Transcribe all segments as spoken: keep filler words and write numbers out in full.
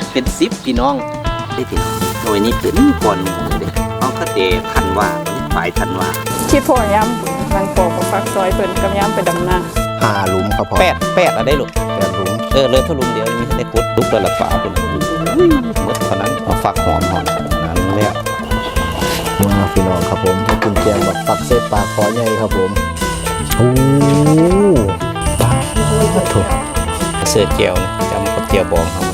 เป็นสิบพี่น้องได้พี่น้องหน่วยนี้เป็นก่อนหมูเลยน้องก็เตะทันว่าฝ่ายทันว่าคิดพอย่ำรังปอกกับฟักซอยเพิ่นกับย่ำไปดำนาหาหลุมครับพ่อแปดแปดอะไรลูกแปดหลุมเออเลยถ้าหลุมเดียวมีแต่กุดลุกระลับฝาเป็นหมดเท่านั้นเอาฝักหอมหอมนั้นแล้วมาพี่น้องครับผมให้คุณแจงแบบปักเส้นปลาคอใหญ่ครับผมโอ้ปลาถูกเสื้อเจียวนะจำกับเจียวบองครับ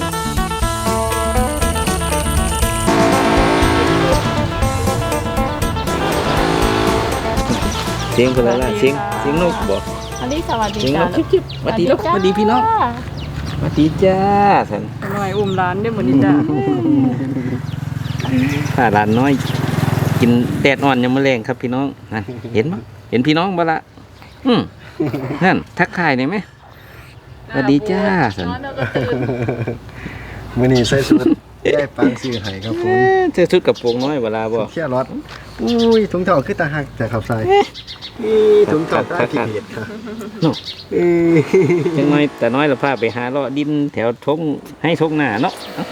เสียงเป็นอะไรล่ะเสียงเสียงนกบอกอันนี้สวัสดีจ้าจิ๊บจิ๊บสวัสดีลูกสวัสดีพี่น้องสวัสดีจ้าสันหน่อยอุ้มร้านได้เหมือนนี้จ้าถ้าร้านน้อยกินแดดอ่อนยังมะเร็งครับพี่น้องนั่นเห็นมั้ยเห็นพี่น้องบ้าละอืมนั่นทักทายได้ไหมสวัสดีจ้าสันมื้อนี้ใส่ชุดได้ปังซื้อให้ครับผมเสื้อชุดกับโปรงน้อยเวลาบ่เขี้ยรถอุ้ยถุงเท้าคือตาหักจากขับใส่ถุงเท้าตาขี้เกียจครับจังน้อยแต่น้อยเราพาไปหาเลาะดินแถวทงให้ทงหน้าเนาะ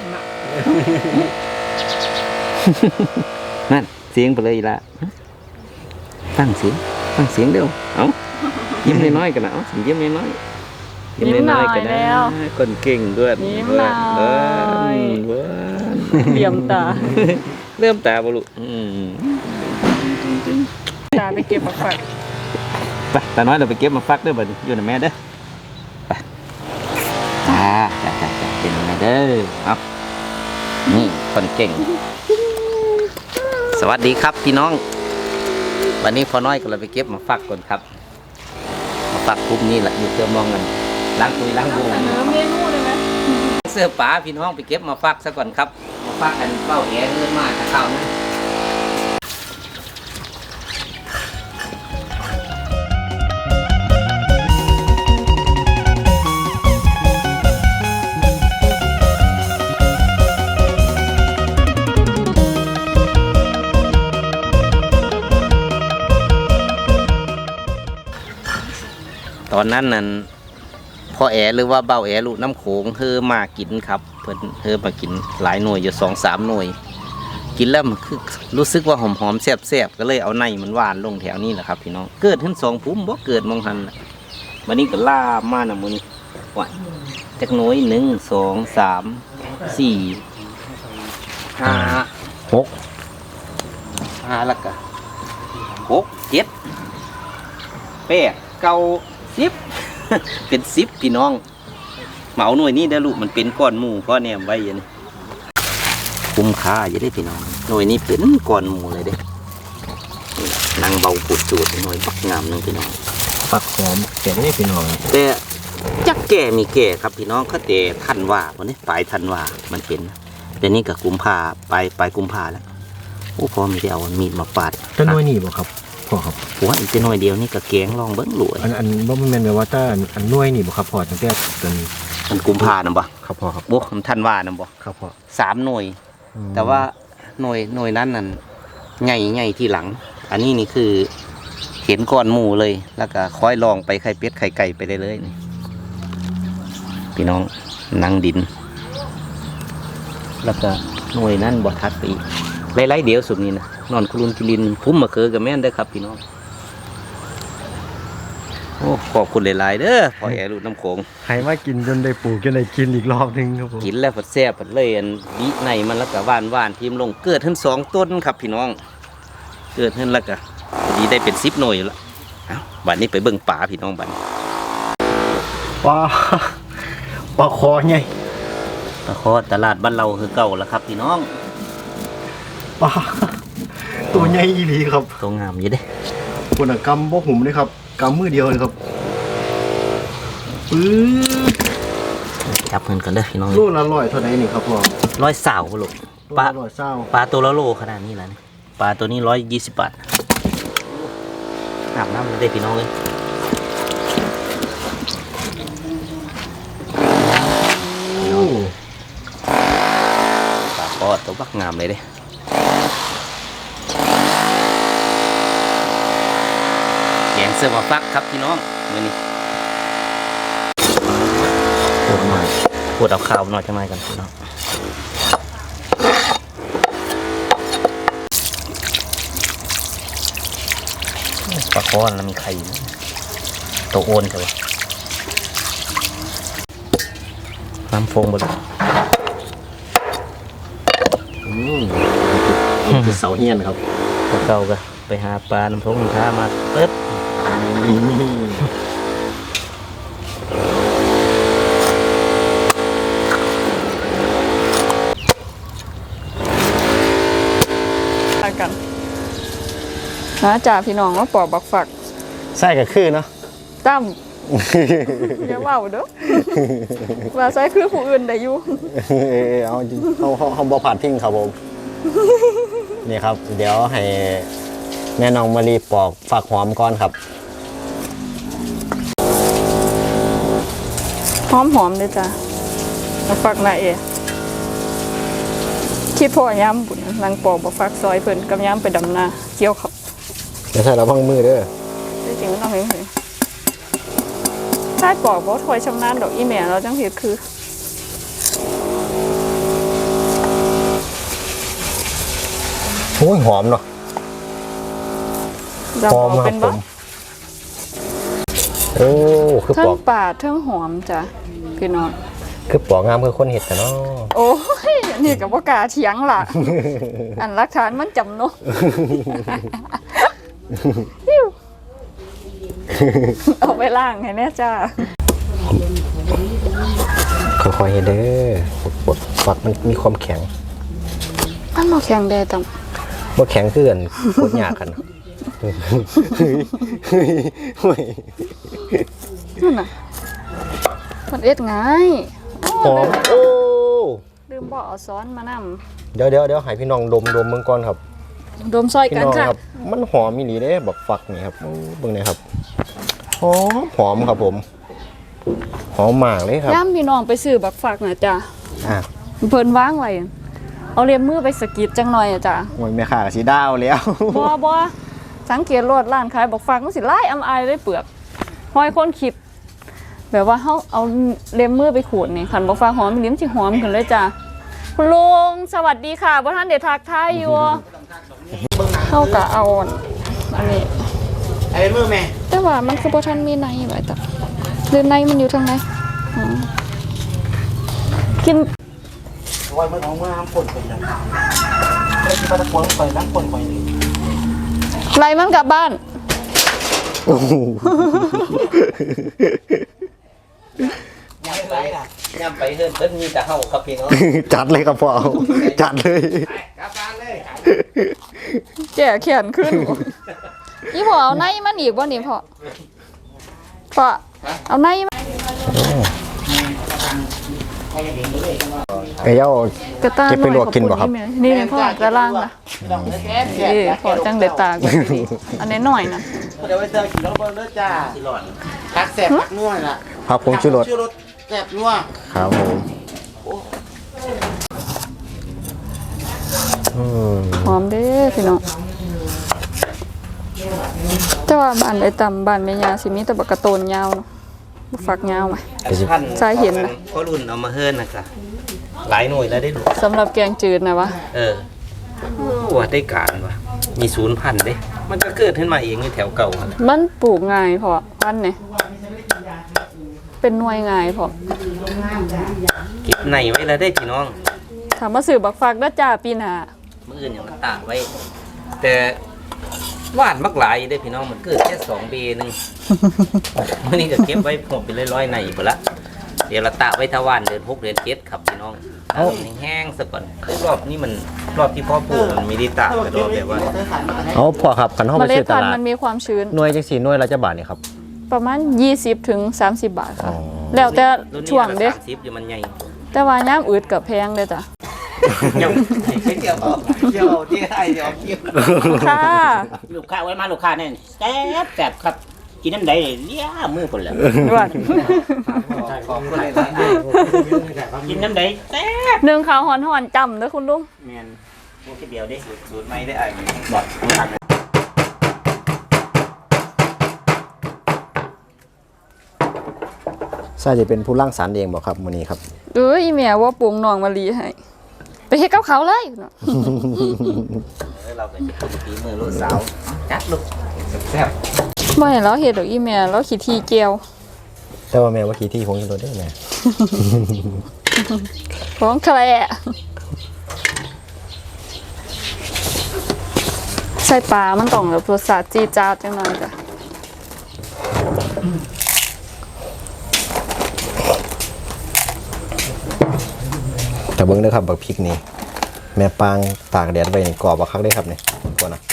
นั่นเสียงไปเลยละฟังเสียงฟังเสียงเร็วเอายิ้มน้อยๆกันนะเอายิ้มน้อยๆยิ้มน้อยๆกันนะคนเก่งด้วยยิ้มน้อยเหลี่ยมตาเริ่มตาบุรุษตาไปเก็บมาฝักไปตาน้อยเราไปเก็บมาฟักด้วยบ่อยู่ในแม่เด้อไปจ้าจ้าจ้าจ้าเป็นแม่เด้อเอานี่คนเก่งสวัสดีครับพี่น้องวันนี้พอน้อยก็เราไปเก็บมาฟักก่อนครับมาฟักปุ๊บนี่แหละอยู่เติมมองกันล้างตุยล้างวงเมนูเลยไหมเสื้อป๋าพี่น้องไปเก็บมาฟักซะก่อนครับมาฟักกันเป้าแหเลื่อนมากจะเข้านะตอนนั้นนั่นพ่อแอหรือว่าเบาแอลูกน้ำโขงเธอมากินครับเพิ่นเธอมากินหลายหน่วยอยู่สองสามหน่วยกินแล้วมันคือรู้สึกว่าหอมหอมแซ่บแซ่บก็เลยเอาในมันหวานลงแถวนี้แหละครับพี่น้องเกิดขึ้นสองพุ่มบ่เกิดมองหันวันนี้ก็ล่ามาหน่ะมื้อนี้ว่าจักหน่วยหนึ่งสองสามสี่ห้าหกห้าแล้วก็หกเจ็ดแปดเก้าสิบเป็นสิบพี่น้องเหมาหน่วยนี้ได้ลูกมันเป็นก้อนหมูก้อนเนี่ยไว้ยังคุ้มค่าจะได้พี่น้องหน่วยนี้เป็นก้อนหมูเลยเด้นางเบาปูดจูดหน่วยปักงามนึงพี่น้องปักหอมแก่ได้พี่น้องแต่จักแก่มีแก่ครับพี่น้องก็แต่ทันว่าวันนี้ปลายทันว่ามันเป็นแต่นี่กับกุมภาปลายปลายกุมภาแล้วโอ้พอมีได้เอามีดมาปาดต้นน้อยนี่บ่ครับพ่อครับหัวอีกจะหน่อยเดียวนี่ก็แกงลองเบิ้งหลวยอันอันว่ามันเป็นแบบว่าถ้าอันน้อยนี่บ่ครับพ่อตั้งแต่ตอนมันกุมภานะบ่ครับพ่อครับบุกมันทันว่านะบ่ครับพ่อสามหน่วยแต่ว่าหน่วยหน่วยนั้นนั่นใหญ่ใหญ่ที่หลังอันนี้นี่คือเห็นก้อนหมูเลยแล้วก็ค่อยลองไปไข่เป็ดไข่ไก่ไปได้เลยนี่พี่น้องนั่งดินแล้วก็หน่วยนั้นบ่ทัดไปอีกไล่ๆเดียวสุดนี่นะนอนคุรุนกิลินพุ่มมะเขือกับแม่นได้ครับพี่น้องโอ้ขอบคุณหลายๆเด้อพอแอรูน้ำโขงให้มากินจนได้ปลูกจนได้กินอีกรอบนึงครับผมกินแล้วผัดแซ่บผัดเลยอันดีในมันแล้วก็หวานหวานพิมพ์ลงเกิดขึ้นสองต้นครับพี่น้องเกิดขึ้นแล้วก็ดีได้เป็นสิบหน่วยแล้วบัดนี้ไปเบิ่งป่าพี่น้องบัดปลาปลาคอไงปลาคอตลาดบ้านเราคือเก่าแล้วครับพี่น้องปลาตัวใหญ่อีหลีครับตัวงามอยู่เด้คนกำบ่หุ่มเลยครับกำมือเดียวเลยครับปื้อจับเงินกันเด้อพี่น้องโลละร้อยเท่าไหร่นี่ครับพ่อร้อยสาวลูกปลาร้อยสาวปลาตัวละโลขนาดนี้แล้วนี่ปลาตัวนี้ร้อยยี่สิบบาทอาบน้ำได้พี่น้องเลยปลาคอตัวบักงามเลยเด้แกงเสื้อมาฟักครับพี่น้องมือนี้โคตรมากปวดเอาข้าวหน่อยจะมากันพี่น้องปลาคอนแล้วมีไข่ตัวโอนใช่ปะน้ำฟงบนเสาเฮียนครับเก่าก็ไปหาปลาน้ำทงน้ำท่ามาเปิ๊บกันนะจ่าพี่น้องว่าปอกบักฝักใส่ก็คือเนาะตั้มอย่าเว่าเด้อว่าใส่คือผู้อื่นได้อยู่เอาเขาเขาเขาบ่ผ่านทิ้งครับผมนี่ครับ เดี๋ยวให้แม่น้องมารีปอกฝักหอมก่อนครับหอมหอมๆเลยจ้ะบักฝักนาเอคิดพ่อย้ำบุญนางปอกบักฝักซอยเพิ่นกับย้ำไปดำนาเกี่ยวเขาเดี๋ยวใส่ระวังมือเด้อจริงๆมันต้องเห็นเลยใช่ปอกบ่ถอยชำนาญดอกอีแม่เราจังผิดคือโอ้ยหอมเนาะจะหบออมกครัเป็บนผบ่มโอ้คือเทิปอง กป่าเทิงหอมจ้ะพี่น้องคือปอกงามคือคนเห็ดแต่เนาะโอ้ยอันนี่กับว่ากล้าเถียงล่ะ อันรักฐานมันจำเนาะ ฮิ้วเอาไปล่างให้แน่จ้าค่อยๆเฮ็ดเด้อปอกฝักมันมีความแข็งมันมาแข่งแดดต่บ่แข็งคือกันโคตรยากกันำนั่นน่ะมันเอ็ดง่ายหอมโอ้ลืมบอกเอาซ้อนมานเดี๋ยวเดี๋ยวเดี๋ยวให้พี่น้องดมดมเบิ่งก่อนครับำดมซอยพี่กันน้องค่ะครับมันหอมมีหลีเด้บักฝักนี่ครับโอ้เบิ่งหน่อยครับหอมหอมครับผมหอมมากเลยครับย่ามพี่น้องไปซื้อบักฝักน่ะจ้ะอ่ะเพิ่นวางไว้เอาเลียมมือไปสะกิดจังหน่อยอ่ะจ้ะโอ้ยแม่ค้าก็สิดาวแล้วบ่บ่สังเกตรถร้านขายบักฝักมันสิลายอำอายเลยเปลือกห้อยคนคิด แบบว่าเฮาเอาเลียมมือไปขูดนี่คันบักฝักหอมลิ้มสิหอมขึ้นเลยจ้ะคุณลุงสวัสดีค่ะบ่ทันได้ทักทายอยู่เฮาก็เอาอันนี้ไอ้มือแม่แต่ว่ามันคือบ่ทันมีในไว้แต่หรือในมันอยู่ทางไหนอ๋อกินวันมันออกมาน้ำฝนไปแล้วไอ้ที่ปลาตะกวงไปน้ำฝนไปนี่ไล่มันกลับบ้านโอ้โหยังไปล่ะย่ำไปเฮิรนเพิ่นมีแต่เฮาครับพี่น้องจัดเลยครับพ่อจัดเลยกลับบ้านเลยแก่แขนขึ้นอีพ่อเอาในมันอีกบ่นี่พ่อพ่อเอาในมาไอ้เจ้ากระต้าเก็บไปลวกกินบ่ครับนี่นี่พ่อกระล่างนะต้องเลยแซ่บเอ้พ่อจังเด็ดตากันดีอันนี้หน่อยนะเดี๋ยวไปเจอกินแล้วเบิ้งเด้อจ้าสิหลอดพักแซ่บพักนัวล่ะครับผมชูรสชื่อรสแซ่บนัวครับผมอืมหอมเด้อพี่น้องแต่ว่าบ้านไอ้ต่ำบ้านแม่ยาสิมีแต่บักกระโตนยาวเนาะบ่ฝักยาวไหมพันใช่เห็นนะพ่อรุ่นเอามาเฮิรนนะจ๊ะหลายหน่วยแล้วได้ดูสำหรับแกงจืดนะวะเออว่าได้การว่ะมีศูนย์พันธุ์เด้ มันก็เกิดขึ้นมาเองในแถวเก่าหั่นแหละมันปลูกง่ายพอพันเนี่ยเป็นหน่วยง่ายพอเก็บในไว้แล้วได้พี่น้องถามมาสื่อบักฟักด้าจ่าปีหน้ามื่ออื่นอย่างมันตากไว้ แต่ว่านมักหลายได้พี่น้องมันเกิดแค่สองเบหนึง มื่อนี้ก็เก็บไว้ผมเป็นร้อยๆในหมดละเดี๋ยวเราตากไว้ทวานเดือนหกเดือนเจ็ดครับพี่น้องเอาแห้งๆซะก่อนรอบนี้มันรอบที่พ่อปลูกมันมีได้ตากแต่รอบแบบว่าเอาพ่อครับคันเฮาเมไปล็ดซื้อตพันธุ์ลาดมันมีความชื้นหน่วยจังสี่หน่วยละจะบาทนี่ครับประมาณยี่สิบถึงสามสิบบาทค่ะอ๋อแล้วแต่รุ่นนี้ช่วงเด้สามสิบอยู่มันใหญ่แต่ว่าน้ำอืดกับแพงเด้อจ้ะยังไม่เกี่ยวเอาเกี่ยวที่ไทยเดี๋ยวเกี่ยวค่ะลูกค้าไว้มาลูกค้าเนี่ยแซ่บแซ่บครับกินน้ำใดเลี้ยมือคนละด่วนขอบคุณเลยนะกินน้ำใดแซ่บหนึ่งข้าวหอนๆจำเด้อคุณลุงแมนโมกิเดียวดิสูตรไม่ได้อ่านบอดผักสใช่จะเป็นผู้ร่างสรรค์เองบอกครับมื้อนี้ครับเอ้ยอีแม่ว่าปรุงน้องมะลิให้ไปเฮ็ดกับเขาเลยเนาะเราก็จะเป็นฝีมือลูกสาวจัดลูกแซ่บบ่ให้เราเฮ็ดดอกอีแม่เราขี้ที่เกียวแต่ว่าแม่ว่าขี่ที่คงจะโดนได้แม่ของแคลใส่ปลามันต้องแบบรสชาติจี๊ดจ๊าดจังหน่อยจ้ะแต่เบิ้งเด้อครับบักพริกนี่แม่ปางตากแดดไว้นี่กรอบบักคักได้ครับนี่ก่อนนะ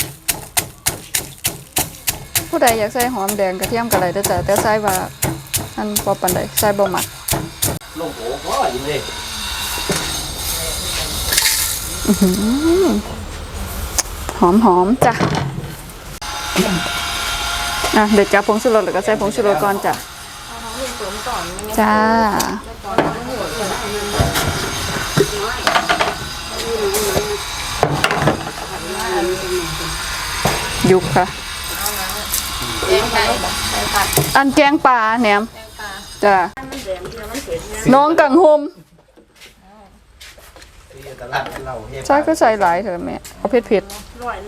ผู้ใดอยากใส่หอมแดงกระเทียมก็ได้เด้อจ้ะแต่ใส่ว่าอันบ่ปานใดใส่บ่มักๆลงโอ้โหยิงเลยหอมๆจ้ะอ่ะเดี๋ยวจับผงชูรสแล้วก็ใส่ผงชูรสก่อนจ้ะจ้ายุบค่ะอันแกงปลาแหนมจ้ะน้องกังหมใช่ก็ใส่หลายเถอะแม่เอาเผ็ดเผ็ดร้อย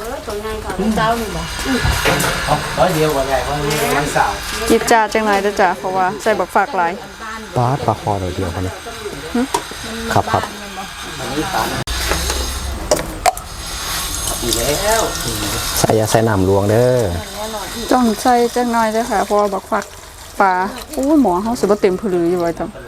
เดียวกว่าใหญ่เพราะมันสาวจิบจ้าจังไรเด้อจ้ะเพราะว่าใส่บักฝากหลายปลาปลาคอเดียวเดียวครับนี่ครับครับอีแล้วใส่อยาใส่น้ำลวงเด้อจ้องใส่จังน้อยเด้อค่ะเพราะว่าบักฝากปลาโอ้ยหมอเฮาสิบ่เต็มผืออยู่ไว้จัง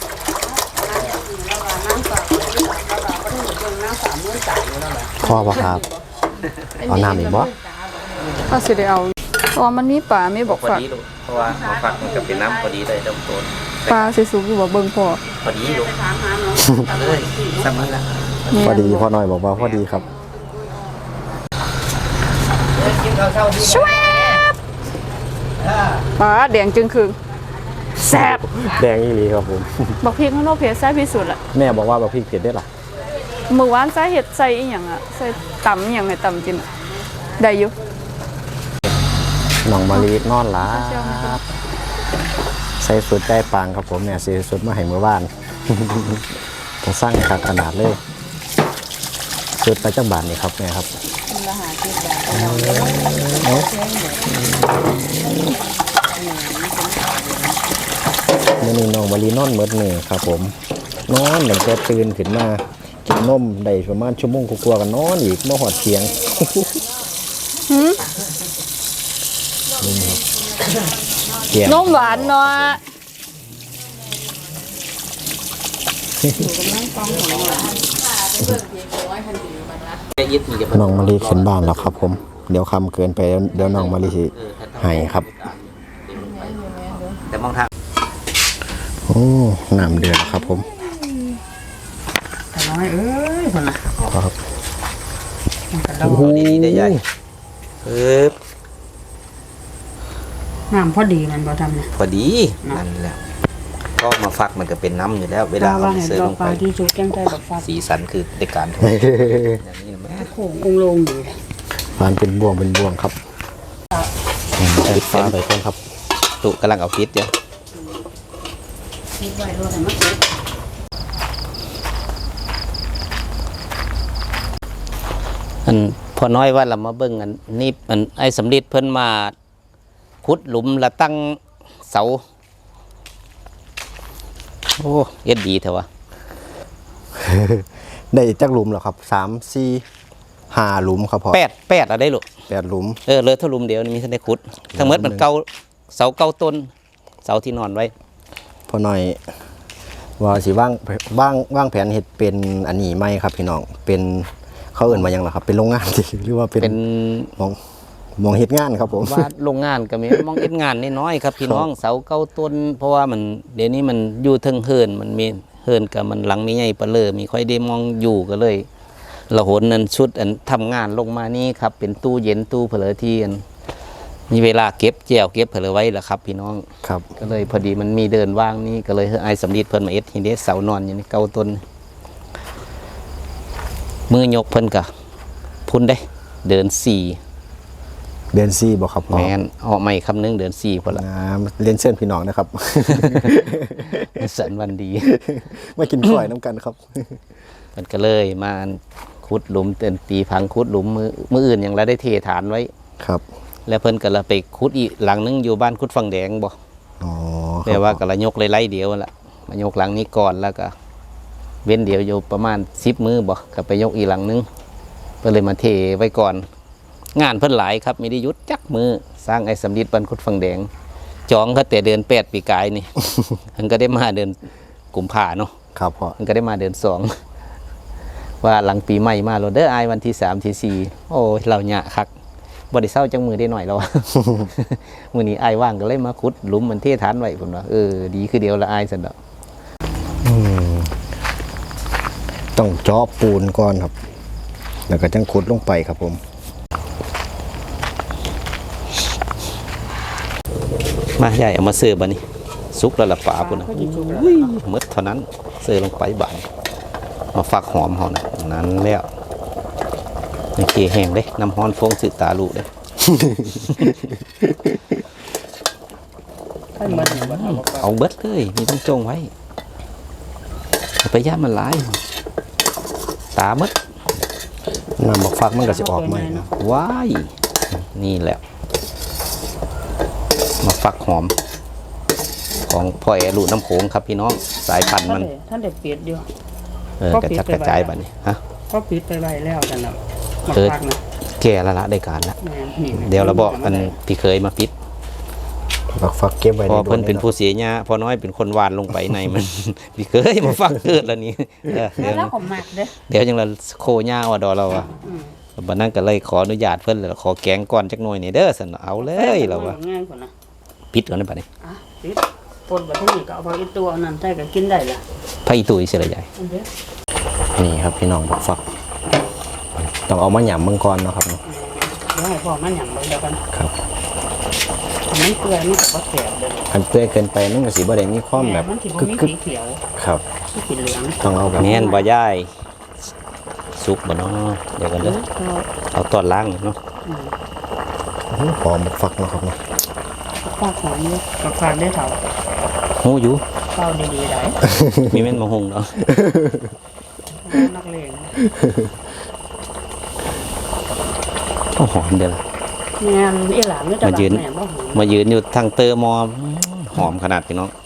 คอปะครับเอาน้ำอีกบ่ถ้าสิได้เอาเพราะว่ามันมีปลามีบักพอฝากดีลูกเพราะว่าเอาฝักมันก็เป็นน้ำพอดีเลยเริ่มต้นปลาสิสุกอยู่บ่เบิ่งพอพอดีลูกเลยซ้ำนี้ละพอดีพอหน่อยบอกว่าพอดีครับชวบปลาแดงจึงคือแซ่บแดงอีหลีครับผมบักพริกมันโอเคแซ่บที่สุดละแม่บอกว่าบักพริกเผ็ดได้หรอมื้อวานใส่เฮ็ดใส่อีหยังอ่ะใส่ตำอีหยังให้ตำกินอะได้อยู่น้องมะลินอนหลาใส่สุดใจปางครับผมเนี่ยใส่สุดมาให้เมื่อวาน ต้องสร้างขาดขนาดเลยสุดไปจังบาทนี่ครับแม่ครับมื่อนี้น้องมะลินอนเมื่อนี่ครับผมนอนหลังจากตื่นขึ้นมากินนมได้ประมาณชั่วโมงกว่าๆกันนอนอีกมาหอดเทียง เทียงนมหวานเนาะยึดมีกับน้องมะลิขึ้นบ้านแล้วครับผมเดี๋ยวคำเกินไปเดี๋ยวน้องมะลิสิให้ครับแต่มองทางโอ้น้ำเดือดครับผมน้อยเอ้ยคนละครับเราโอ้โหดีๆได้ใหญ่ปึ๊บน้ำพอดีมันบ่ทำเนี่ยพอดีนั่นแหละก็มาฟักมันก็เป็นน้ำอยู่แล้ว เวลาว่าเอาเห็นเสิร์ฟดอลกงปไปลาที่สุกแกงไทยแบบฟ้าสีสันคือในการทอดอย่างนี้แม่โค้งองลงดีฟานเป็นบ่วงเป็นบ่วงครับอืมปิดฟ้าไปก่อนครับตุกำลังเอาพิษเดี๋ยวคิดไว้รถให้มันสุกอันพอน้อยว่าเรามาเบิ่งอันนี่อันไอ้สำลิดเพิ่นมาขุดหลุมและตั้งเสาโอ้เอ็ดดีเถอะวะได้จักหลุมเหรอครับสามสี่ห้าหลุมครับพอแปดแปดอะไรลูกแปดหลุมเออเลยเท่าหลุมเดียวนี่มีท่านได้ขุดทั้งหมดมันเก่าเสาเก่าต้นเสาที่นอนไว้พอหน่อยว่าสิว่างว่างว่างแผนเห็ดเป็นอันนี้ไหมครับพี่น้องเป็นเขาเอื่นมายังเหรอครับ เป็นโรงงาน หรือว่าเป็นเป็นมองมองเห็ดงานครับผมว่าโรงงานก็มี มองเอ็ดงานน้อยๆครับพี่น้องเสาเก่าต้น เพราะว่ามันเดี๋ยวนี้มันอยู่เทิงเฮินมันมีเฮินกับมันหลังมีใหญ่ปะเลอมีค่อยได้มองอยู่ก็เลยเราโหนนั่นชุดอันทำงานลงมานี่ครับเป็นตู้เย็นตู้เผลอที่อันมีเวลาเก็บแจวเก็บเผลอไว้แหละครับ พี่น้องครับก็เลยพอดีมันมีเดินว่างนี่ก็เลยให้ไอ้สำลีเพิ่นมาเอ็ดทีนี้เสานอนอยู่ในเก่าต้นมือยกเพิ่นกะพุ่นได้ เดินสี่เดือนสี่บ่ครับพ่อแม่นออกใหม่คำนึงเดือนสี่พุ่นละนะเรียนเชิญพี่น้องนะครับสันวันดีมากินข้อยน้ำกันครับมันก็เลยมาขุดหลุมเต็นตีพังขุดหลุมมือมืออื่นอย่างเราได้เทฐานไว้ครับแล้วเพิ่นก็ละไปขุดอีกหลังนึงอยู่บ้านขุดฝั่งแดงบ่อ๋อแปลว่าก็ละยกเลยไล่เดียวละมายกหลังนี้ก่อนแล้วก็เว้นเดียวอยู่ประมาณสิบมือบ่ก็ไปยกอีกหลังนึงเพิ่นเลยมาเทไว้ก่อน งานเพิ่นหลายครับมีได้หยุดจักมือสร้างไอ้สำลิดบ้านขุดฝั่งแดงจองก็แต่เดือนแปดปีกายนี่ มันก็ได้มาเดือนกุมภาเนาะครับพ่อมันก็ได้มาเดือนสอง ว่าหลังปีใหม่มาโรเดอร์ไอายวันที่สามที่สี่โอ้ยเราหยะคักบริเศร้าจังมือได้หน่อยเรา มือนี้ไอายว่างก็เลยมาขุดหลุมมันเทฐานไว้ผมว่าเออดีคือเดียวละไอายสันดอกอืมต้องเจาะปูนก่อนครับ แล้วก็จังขุดลงไปครับผมมาใหญ่เอามาเสิร์ฟบันนี้ซุกแล้วละป่าพุ่นนะอุ้ยหมดเท่านั้นเสิร์ฟลงไปบานมาฝักหอมเขานะนั้นแล้วนี่เคแห้งเลยน้ำฮ้อนฟงสึตาลูเด้ให้มันเนี่ยมันเอามาเอาเบิดเลยมีต้องจงไว้เอาไปย่ามันหลาย ตาเบิดน้ำบักฟักมันก็จะออกใหม่นะว้ายนี่แหละมาฝักหอม ของพ่อแอลูกน้ำโขงครับพี่น้องสายพันธุ์มันท่านเด็กเปียดอยู่เออกระจัดกระจายบัดนี้ฮะก็ปิดไปไว้แล้วกันนะมาเออพักนะแก่ละละได้การละแม่นี่เดี๋ยวเราบอกอันพี่เคยมาปิดบักฟักเก็บไว้พอได้เพิ่นเป็นโดผู้เสียหญ้าพอน้อยเป็นคนวานลงไปในมัน พี่เคยมาฟักเกิดแล้วนี่เออเดี๋ยวแล้วผมหมักเด้อเดี๋ยวจังเราโคหญ้าว่าดอเราอะบัดนั้นก็เลยขออนุญาตเพิ่นแล้วขอแกงก่อนจักหน่อยนี่เด้อสั่นเอาเลยเราว่าง่ายกว่านะปิดก่อนได้บัดนี้อ่ะปิดปนแบบนี้ก็เอาไปอีกตัวอันนั้นใส่ก็กินได้ละไผตุ้ยเสียละใหญ่อันเด้อนี่ครับพี่น้องบักฟัก ต้องเอามาหยำมังกรเนาะครับเนาะเดี๋ยวให้พ่อมันหยั่งเบิ่งเดียวกันครับมันเปื่อยมันก็บ่แสบเด้ออันเปื่อยเกินไปมันก็สิบ่ได้มีความแบบมันสิบ่กึกมีกึกสีเขียวครับสีเขียวเหลืองต้องเอาแบบแม่นบ่ยายสุกบ่เนาะเดี๋ยวกันเอเด้ออก็เอาตอนล้างเนาะหอมบักฟักเนาะครับเนาะฝากหอมอยู่ก็ฝากได้เท่าฮู้อยู่เฝ้าดีๆได้มีแม่นมาหุงเนาะนักเลงโอ้หอมเด้อล่ะแม่นอีหลานนี่จะมายืนแม่บ่หอมมายืนอยู่ทางเตอร์มอมหอมขนาดพี่น้อง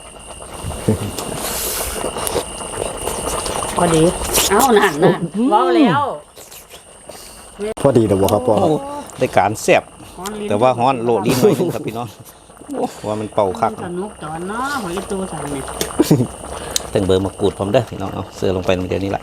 พอดีเอ้านั่นนั่นเว้าแล้วพอดีเด้อบ่ครับพ่อโอ้ได้การแซ่บฮ้อนลิ้นแต่ว่าฮ้อนโลดลิ้นหน่อยนึงครับพี่น้องว่ามันเป่าคักสนุกตอนเนาะของอีตัวสั่นนี่ตึงเบอร์มะกรูดพร้อมเด้อพี่น้องเอาเสื้อลงไปเดี๋ยวนี้แหละ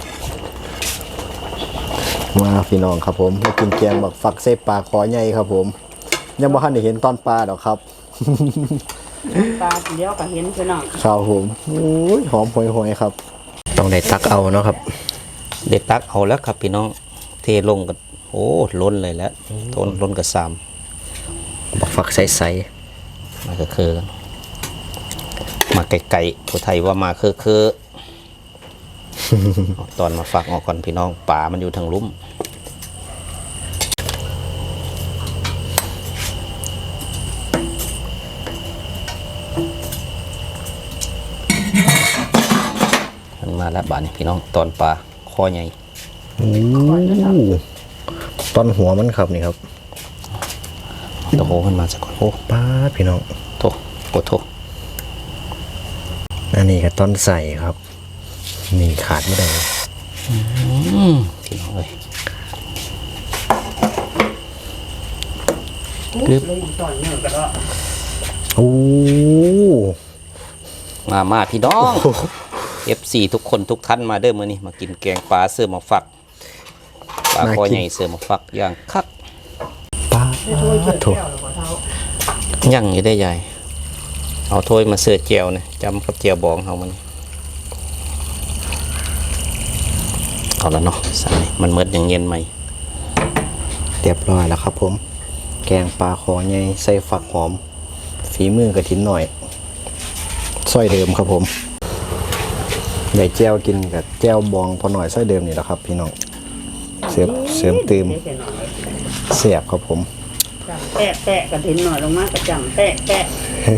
มาพี่น้องครับผมมากินแกงบักฟักใส่ปลาคอใหญ่ครับผม ยังบ่ทันได้เห็นตอนปลาดอกครับปลาเดียวก็เห็นพี่น้องครับผมโอ้ยหอมหวยๆครับ ต้องได้ตักเอาเนาะครับเด็ดตักเอาแล้วครับพี่น้องเทลงกันโอ้ล้นเลยแล้วทนล้นกับซามบักฟักใสมาคือคือกันมาไกลๆผู้ไทยว่ามาคือคือเอาตอนมาฝักออกก่อนพี่น้องป่ามันอยู่ทางลุ่มมันมาแล้วบาดนี้พี่น้องตอนปลาคอใหญ่ๆโอ้ต้นหัวมันครับนี่ครับโอ้โหมันมาสักก่อนโอ้ป้าดพี่น้องโถโอ้โถอันนี้ก็ต้นใส่ครับ นี่ขาดไม่ได้อืมพี่น้องเอ้ยกึบเลยอย่างต่อยเนื้อก็ได้โอ้มามาพี่น้อง เอฟ ซี ทุกคนทุกท่านมาเด้อมื้อนี้มากินแกงปลาเสื้อหมาฝักปลาคอใหญ่เสื้อหมาฝักอย่างคักป้าช่วยเกี่ยวถูกแก้วหรือเปล่าเท้าย่างอยู่ได้ใหญ่เอาถ้วยมาเสิร์ฟเจียวนะจำกับเจียวบองเฮามันเอาแล้วเนาะใส่มันเมิดอย่างเย็นไหมเรียบร้อยแล้วครับผม แกงปลาคอใหญ่ใส่ฝักหอม ฝีมือกระถินหน่อยซอยเดิมครับผมได้แจ้วกินกับแจ้วบองพอหน่อยซอยเดิมนี่แหละครับ พี่น้องเสริมเสริมเติมไม่ใช่หน่อยเสียบครับผมจำแปะแปะกระถินหน่อยลงมากระจำแปะแปะ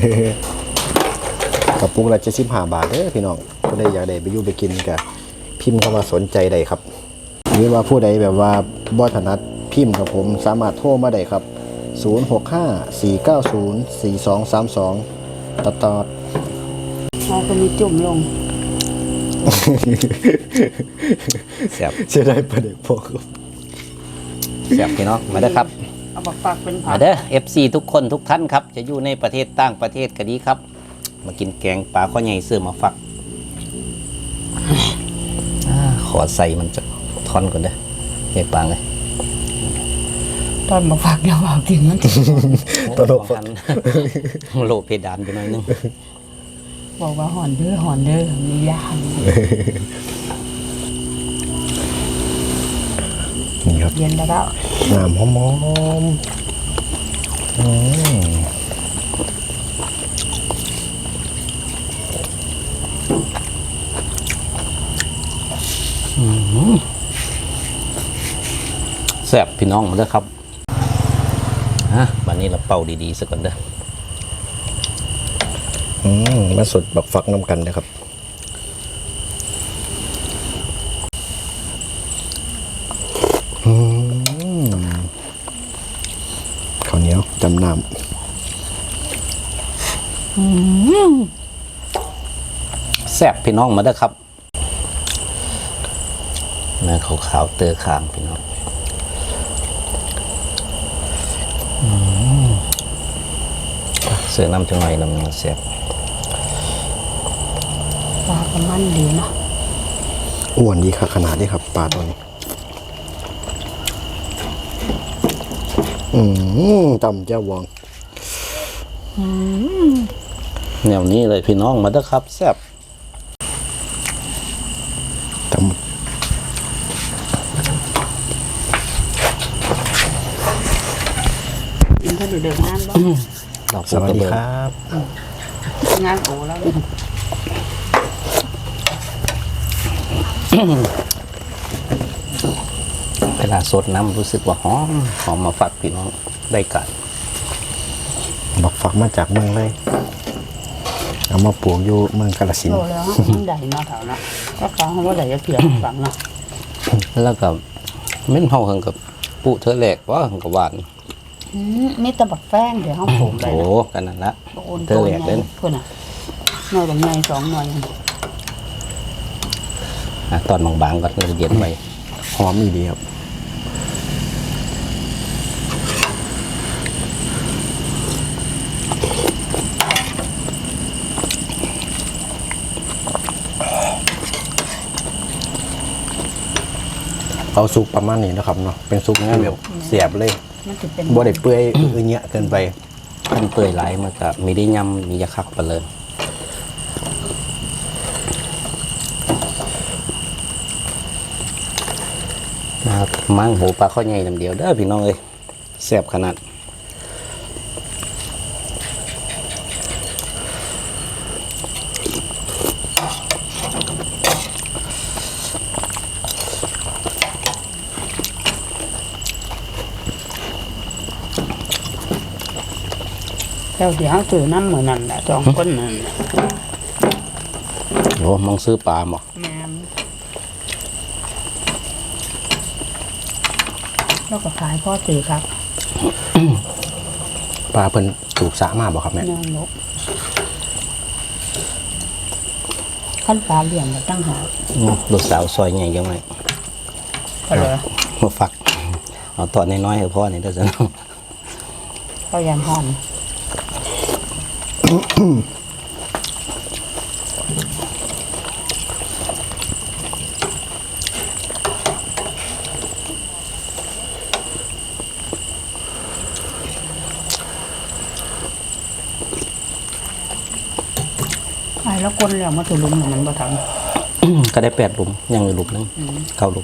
กระปุกละเจ็ดสิบห้าบาทเด้อพี่น้องผู้ใดอยากได้ไปอยู่ไปกินก็พิมพ์เข้ามาสนใจได้ครับหรือว่าผู้ใดแบบว่าบ่ถนัดพิมพ์กับผมสามารถโทรมาได้ครับศูนย์ หก ห้า สี่ เก้า ศูนย์ สี่ สอง สาม สองตัดต่อเราก็มีจุ่มลงแซ่บเสียดายประเด็กพวกแซ่บพี่น้องมาเด้อครับเอาบักฝักเป็นผัมาก เด้อ เอฟ ซี ทุกคนทุกท่านครับ จะอยู่ในประเทศต่างประเทศก็ดีครับ มากินแกงปลาข้อใหญ่เสื้อมาฟักอาขอใส่มันจะทอนก่อนเด้อใหญ่ปางเลยตอนบักฝักเดี๋ยวเอากินมันตลกฟัน โลเพดานไปหน่อยนึงบอกว่าหอนเด้อหอนเด้อมียางนี่ครับเย็นแล้วก็น้ำหอมๆอืมแซ่บพี่น้องมาเด้อครับฮะวันนี้เราเป่าดีๆสักก่อนเด้ออืมมาสดบักฟักน้ำกันนะครับอืมข้าวเหนียวจำน้แซ่บพี่น้องมาเด้อครับเนื้อขาวๆเตอคางพี่น้องอืมเสือน้ำจังหน่อยน้ำมันแซ่บปลาก็มันดีเนาะำอ้วนดีค่ะขนาดนี้ครับปลาตัวนี้ อืมจำเจ้าวองแนวนี้เลยพี่น้องมาเด้อครับแซ่บจำกินเท่าเดิมงานบ่ดอกสวัสดีครับงานโอ้แล้วเนี่ยเวลาสดน้ำรู้สึกว่าหอมหอมมาฝากพี่น้องได้กันบักฟักมาจากเมืองเลย เอามาปลูกอยู่เมืองกาฬสินโตธุ์แล้วมันใหญ่เนาะแถวเนาะก็ฟังว่าใหญ่จะเพียงฟังเนาะแล้วก็เม่นเฮาเฮิงกับปุเธอแหลกว่าเฮิงกับหวานอืมมีแต่บักแป้งเดี๋ยวห้องผมไปโอ้นะกันนั่นละบักโอนเธตัอวแหลใหกญ่เล่นเพื่อนอ่ะหน่อยบักใหญ่สองหน่อยอ่ะตอนบางๆก็เราเย็นไปหอมอีดีครับ เอาซุปประมาณนี้นะครับเนาะเป็นซุปที่แบบเสียบเลยมันจะเป็นบ่ได้เปื่อยอือเงี้ยเกินไปขั้นเปื่อยไหลายมันก็มีได้ยำมียาคักไปเลยมามั่งหูปลาข้อใหญ่ลำเดียวเด้อพี่น้องเอ้ยแซ่บขนาดแล้วเดี๋ยวเขาซื้อน้ำเหมือนนั่นแหละสองคนนั่นน่ะโอ้มองซื้อปลาหมอกแม่นแล้วก็ขายพ่อตีครับปลาเพิ่นถูกสะมากบ่ครับแม่แม่นกขั้นปลาเลี้ยงก็ตั้งหาอืมลูกสาวซอยใหญ่ยังไงก็เลยมาฝักเอาตอนน้อยๆให้พ่อนี่เด้อจ้ะน้องก็ยันหอน ไอ้แล้วคนแล้วมาถูลุมเนี่ยมันบ่ทก็ได้แปดหลุมยังอยู่หลุมนึงเข้าหลุม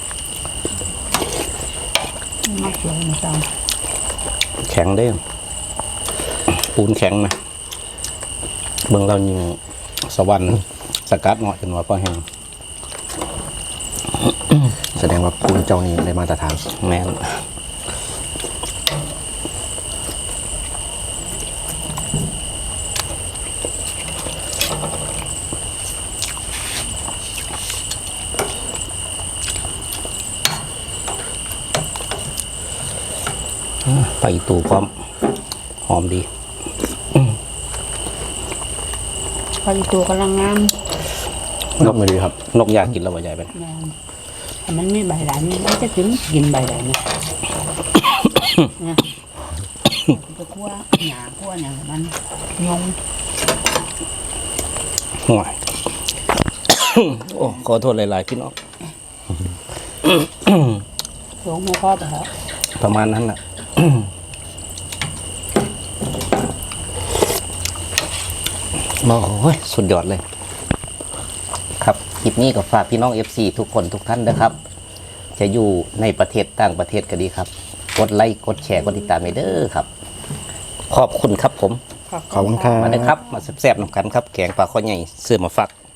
ำมาเขียวมาจังแข็งได้อปูนแข็งนะเบิ่งเรายิงสวรรค์สกัดเหมาะจนว่าพอแห้งแสดงว่าคุณเจ้านี่ได้มาตรฐานแม่นไปอีตูพร้อมหอมดีพอดีตัวกำลังงามนกไม่ดีครับ นกอยากกินแล้วว่าใหญ่ไปแม่นแต่มันไม่ใบหลายมันจะกินกินใบหลายนะเนี่ยจะคั่วหนาคั่วอย่างมันยงห่วย โอ้ขอโทษหลายๆพี่น้องยงหัวข้อไปแล้วประมาณนั้นแหละ โอ้ยสุดยอดเลยครับคลิปนี้ก็ฝากพี่น้อง เอฟ ซี ทุกคนทุกท่านนะครับ จะอยู่ในประเทศต่างประเทศก็ดีครับ กดไลค์กดแชร์กดติดตามให้เด้อครับ ขอบคุณครับผมขอบคุณครับมาเลยครับ มาแซ่บๆนำกันครับแกงปลาข้อใหญ่เสื้อมาฝาก